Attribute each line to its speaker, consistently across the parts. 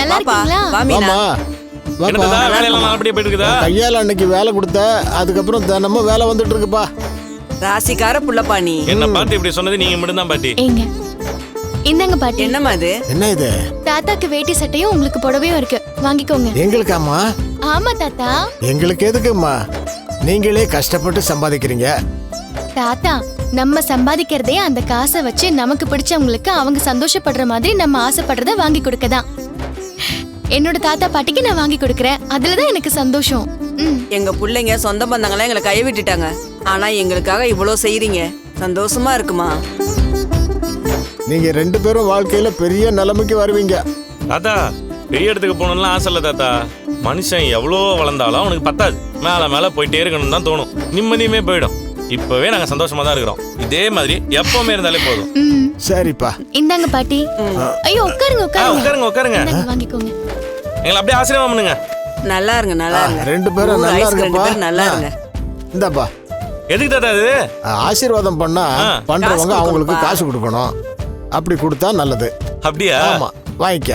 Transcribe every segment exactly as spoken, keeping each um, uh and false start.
Speaker 1: நல்லா இருக்கீங்களா?
Speaker 2: வா மீனா.
Speaker 3: என்னடா வேலையெல்லாம் நல்லபடியா போயிட்டு இருக்குதா?
Speaker 4: கையால அன்னைக்கு வேலை கொடுத்த, அதுக்கப்புறம் தினமும் வேலை வந்துட்டு இருக்குப்பா.
Speaker 2: ராசிக்கார புள்ளப்பா நீ.
Speaker 3: என்ன பாட்டி இப்படி சொன்னது நீங்க மட்டும் தான் பாட்டி.
Speaker 1: ஏங்க இந்தாங்க பாட்டி.
Speaker 2: என்னம்மா இது?
Speaker 4: என்ன இது?
Speaker 1: தாத்தாக்கு வேட்டி சட்டையும் உங்களுக்கு புடவையும் இருக்கு, வாங்கிக்கோங்க.
Speaker 4: எங்களுக்காமா?
Speaker 1: ஆமா தாத்தா.
Speaker 4: எங்களுக்கு எதுக்குமா? நீங்களே கஷ்டப்பட்டு சம்பாதிக்கிறீங்க.
Speaker 1: தாத்தா, நம்ம சம்பாதிக்கிறதே அந்த காசை வச்சு நமக்கு பிடிச்சவங்களுக்கு அவங்க சந்தோஷப்படுற மாதிரி நம்ம ஆசைப்படுறத வாங்கி கொடுக்கதான். என்னோட தாத்தா பாட்டிக்கு நான் வாங்கி கொடுக்கறேன், அதுலதான் எனக்கு சந்தோஷம். ம்.
Speaker 2: எங்க பிள்ளைங்க சொந்த பந்தங்களா எங்களை கைய விட்டுட்டாங்க. ஆனா எங்களுக்காக இவ்வளவு செய்யறீங்க, சந்தோஷமா இருக்குமா?
Speaker 4: நீங்க ரெண்டு பேரும் வாழ்க்கையில பெரிய நிலைமைக்கு வருவீங்க.
Speaker 3: தாத்தா பெரிய இடத்துக்கு போகணும்லாம் ஆசை இல்லை தாத்தா. மனுஷன் எவ்வளோ வளர்ந்தாலும் அவனுக்கு பத்தாது, மேல மேல போயிட்டே இருக்கணும்னு தான் தோணும். நிம்மதியுமே போயிடும். இப்பவே நாங்க சந்தோஷமா தான் இருக்கிறோம். இதே மாதிரி எப்பவுமே இருந்தாலே போதும்.
Speaker 1: ம்.
Speaker 4: சரிப்பா.
Speaker 1: இந்தாங்க பாட்டி. ஐயோ உட்காருங்க
Speaker 3: ஆ,
Speaker 1: உட்காருங்க.
Speaker 3: உட்காருங்க உட்காருங்க.
Speaker 1: இந்தாங்க, வாங்கிக்கோங்க.
Speaker 3: எங்களை அப்படியே ஆசீர்வாதம் பண்ணுங்க.
Speaker 2: நல்லா இருங்க, நல்லா இருங்க.
Speaker 4: ரெண்டு பேரும்
Speaker 2: ஊர்
Speaker 4: நல்லா
Speaker 2: ஆயுசுக்கு ரெண்டு
Speaker 4: இருங்கப்பா.
Speaker 2: பேரும் நல்லா இருங்க.
Speaker 4: இந்தாப்பா.
Speaker 3: எதுக்கு தாத்தா இது?
Speaker 4: ஆசீர்வாதம் பண்ணா
Speaker 3: ஆ,
Speaker 4: பண்றவங்க
Speaker 2: காசு
Speaker 4: அவங்களுக்கு
Speaker 2: கொடுக்கணும்ப்பா.
Speaker 4: காசு கொடுக்கணும். அப்படி கொடுத்தா நல்லது.
Speaker 3: அப்படியா?
Speaker 4: ஆமா, வாங்கிக்க.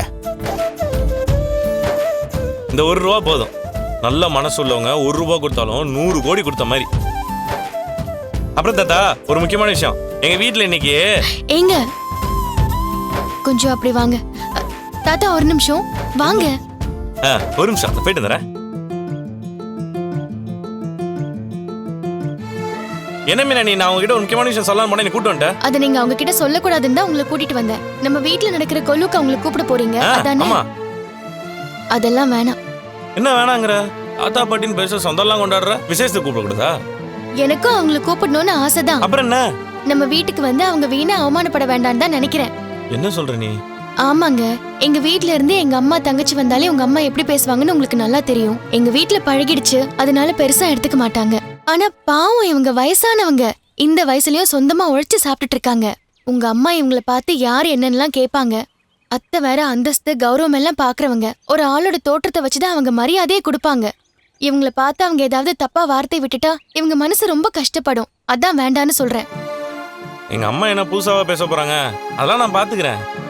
Speaker 3: இந்த ஒரு ரூபா போதும். நல்ல மனசு உள்ளவங்க ஒரு ரூபா கொடுத்தாலும் நூறு கோடி கொடுத்த மாதிரி. அப்புறம் தாத்தா ஒரு முக்கியமான விஷயம், எங்க வீட்டுல இன்னைக்கு
Speaker 1: ஏங்க கொஞ்சம் அப்படி வாங்க. அ, தாத்தா ஒரு நிமிஷம் வாங்க.
Speaker 3: ஆ, ஒரு நிமிஷம் போயிட்டு வந்துடுறேன். என்ன மீனா நீ, நான் உங்ககிட்ட ஒரு முக்கியமான விஷயம் சொல்லலாம் போனா நீ கூட்டு வந்துட்டேன்.
Speaker 1: அத நீங்க அவங்க கிட்ட சொல்ல கூடாதுன்னு தான் உங்களை கூட்டிட்டு வந்தேன். நம்ம வீட்ல நடக்கிற கொல்லுக்கு அவங்களை கூப்பிட போறீங்க,
Speaker 3: ஆ,
Speaker 1: அதானே?
Speaker 3: ஆமா.
Speaker 1: அதெல்லாம் வேணாம்.
Speaker 3: என்ன வேணாங்கிற? தாத்தா பாட்டின்னு பேச சொந்தம்லாம் கொண்டாடுற, விசேஷத்துக்கு கூப்பிட கூடாதா?
Speaker 1: எனக்கும் அவங்களை கூப்பிடணும்னு ஆசைதான்.
Speaker 3: அப்புறம் என்ன?
Speaker 1: நம்ம வீட்டுக்கு வந்து அவங்க வீணா அவமானப்பட வேண்டாம்னு தான் நினைக்கிறேன்.
Speaker 3: என்ன சொல்ற நீ?
Speaker 1: ஆமாங்க, எங்க வீட்ல இருந்து எங்க அம்மா தங்கச்சி வந்தாலே உங்க அம்மா எப்படி பேசுவாங்கன்னு உங்களுக்கு நல்லா தெரியும். எங்க வீட்ல பழகிடுச்சு, அதனால பெருசா எடுத்துக்க மாட்டாங்க. ஆனா பாவம், இவங்க வயசானவங்க, இந்த வயசுலயும் சொந்தமா உழைச்சு சாப்பிட்டுட்டு இருக்காங்க. உங்க அம்மா இவங்கள பார்த்து யார் என்னன்னெல்லாம் கேட்பாங்க. அத்தை வேற அந்தஸ்து கௌரவம் எல்லாம் பாக்குறவங்க. ஒரு ஆளோட தோற்றத்தை வச்சுதான் அவங்க மரியாதையே கொடுப்பாங்க. இவங்கள பார்த்து அவங்க ஏதாவது தப்பா வார்த்தை விட்டுட்டா இவங்க மனசு ரொம்ப கஷ்டப்படும். அதான் வேண்டான்னு சொல்றேன்.
Speaker 3: எங்க அம்மா என்ன புதுசாவா பேச போறாங்க? அதெல்லாம் நான் பாத்துக்கிறேன்.